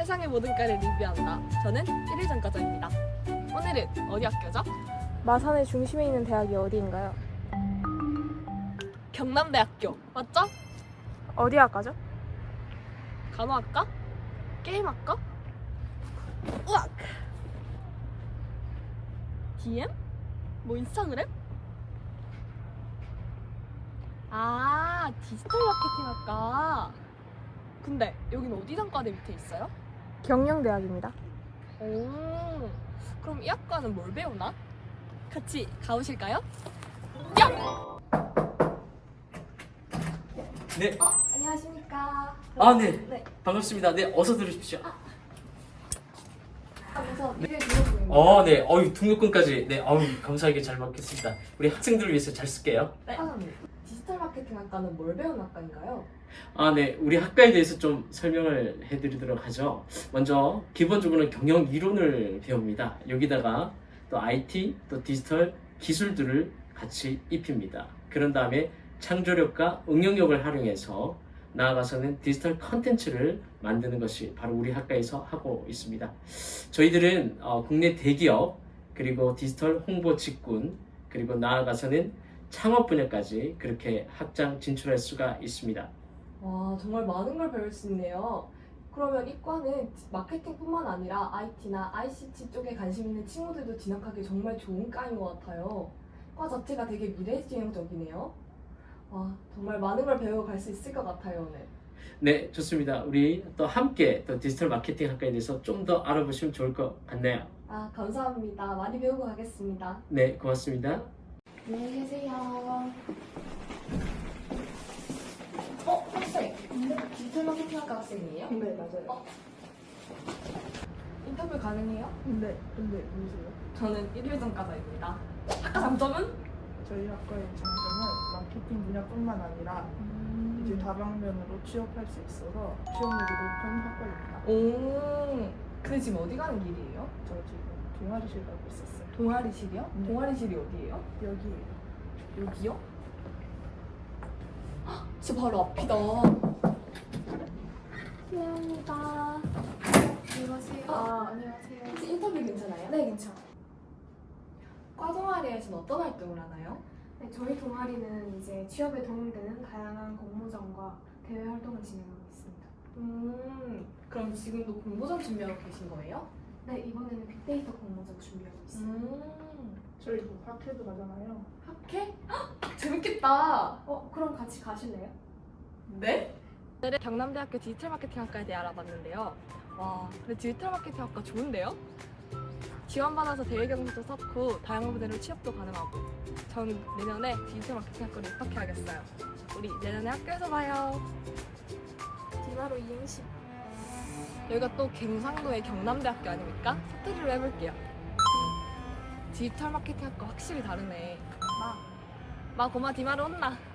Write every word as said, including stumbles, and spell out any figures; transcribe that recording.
세상의 모든 과를 리뷰한다. 저는 일 일 전과자입니다. 오늘은 어디 학교죠? 마산의 중심에 있는 대학이 어디인가요? 경남대학교 맞죠? 어디 학과죠? 간호학과? 게임학과? 우악! 디엠? 뭐 인스타그램? 아, 디지털 마케팅학과. 근데 여긴 어디 단과대 밑에 있어요? 경영대학입니다. 오, 그럼 이 학과는 뭘 배우나? 같이 가보실까요? 야! 네. 어, 안녕하십니까. 아, 네. 네. 반갑습니다. 네, 어서 들으십시오. 아, 그래서 미래 등록금입니다. 어, 네. 어유 등록금까지. 네, 어유 감사하게 잘 받겠습니다. 우리 학생들을 위해서 잘 쓸게요. 네. 사장님, 디지털 마케팅 학과는 뭘 배우는 학과인가요? 아, 네. 우리 학과에 대해서 좀 설명을 해드리도록 하죠. 먼저 기본적으로는 경영 이론을 배웁니다. 여기다가 또 아이티, 또 디지털 기술들을 같이 입힙니다. 그런 다음에 창조력과 응용력을 활용해서 나아가서는 디지털 컨텐츠를 만드는 것이 바로 우리 학과에서 하고 있습니다. 저희들은 어, 국내 대기업, 그리고 디지털 홍보 직군, 그리고 나아가서는 창업 분야까지 그렇게 확장 진출할 수가 있습니다. 와, 정말 많은 걸 배울 수 있네요. 그러면 이과는 마케팅뿐만 아니라 아이티나 아이씨티 쪽에 관심 있는 친구들도 진학하기 정말 좋은 과인 것 같아요. 과 자체가 되게 미래지향적이네요. 와, 정말 많은 걸 배우고 갈 수 있을 것 같아요, 오늘. 네, 좋습니다. 우리 또 함께 또 디지털 마케팅 학과에 대해서 좀 더 알아보시면 좋을 것 같네요. 아, 감사합니다. 많이 배우고 가겠습니다. 네, 고맙습니다. 안녕히 계세요. 어, 학생. 디지털 마케팅 학과 학생이에요? 네, 맞아요. 어? 인터뷰 가능해요? 네, 근데 누구세요? 저는 일 일 전과자입니다. 학과 장점은? 저희 학과의 장점은 마케팅 분야뿐만 아니라 이제 다방면으로 취업할 수 있어서 취업률이 높은 학과입니다. 오, 근데 지금 어디 가는 길이에요? 저 지금 동아리실 가고 있었어요. 동아리실이요? 네. 동아리실이 어디예요? 여기에요. 여기요? 헉, 진짜 바로 앞이다. 안녕합니다. 안녕하세요. 아, 안녕하세요. 혹시 인터뷰 괜찮아요? 네, 괜찮아요. 과 동아리에서는 어떤 활동을 하나요? 네, 저희 동아리는 이제 취업에 도움되는 다양한 공모전과 대외 활동을 진행하고 있습니다. 음, 그럼 지금도 공모전 준비하고 계신 거예요? 네, 이번에는 빅데이터 공모전 준비하고 있습니다. 음, 저희 뭐 학회도 가잖아요. 학회? 헉, 재밌겠다. 어, 그럼 같이 가실래요? 네? 오늘은 경남대학교 디지털 마케팅 학과에 대해 알아봤는데요. 와, 근데 디지털 마케팅 학과 좋은데요? 지원받아서 대외 경쟁도 쌓고 다양한 분야로 취업도 가능하고 전 내년에 디지털 마케팅 학과로 입학해야겠어요. 우리 내년에 학교에서 봐요. 디마로 이행시. 여기가 또 경상도의 경남대학교 아닙니까? 사투리로 해볼게요. 디지털 마케팅 학과 확실히 다르네. 마, 마 고마 디마로 혼나.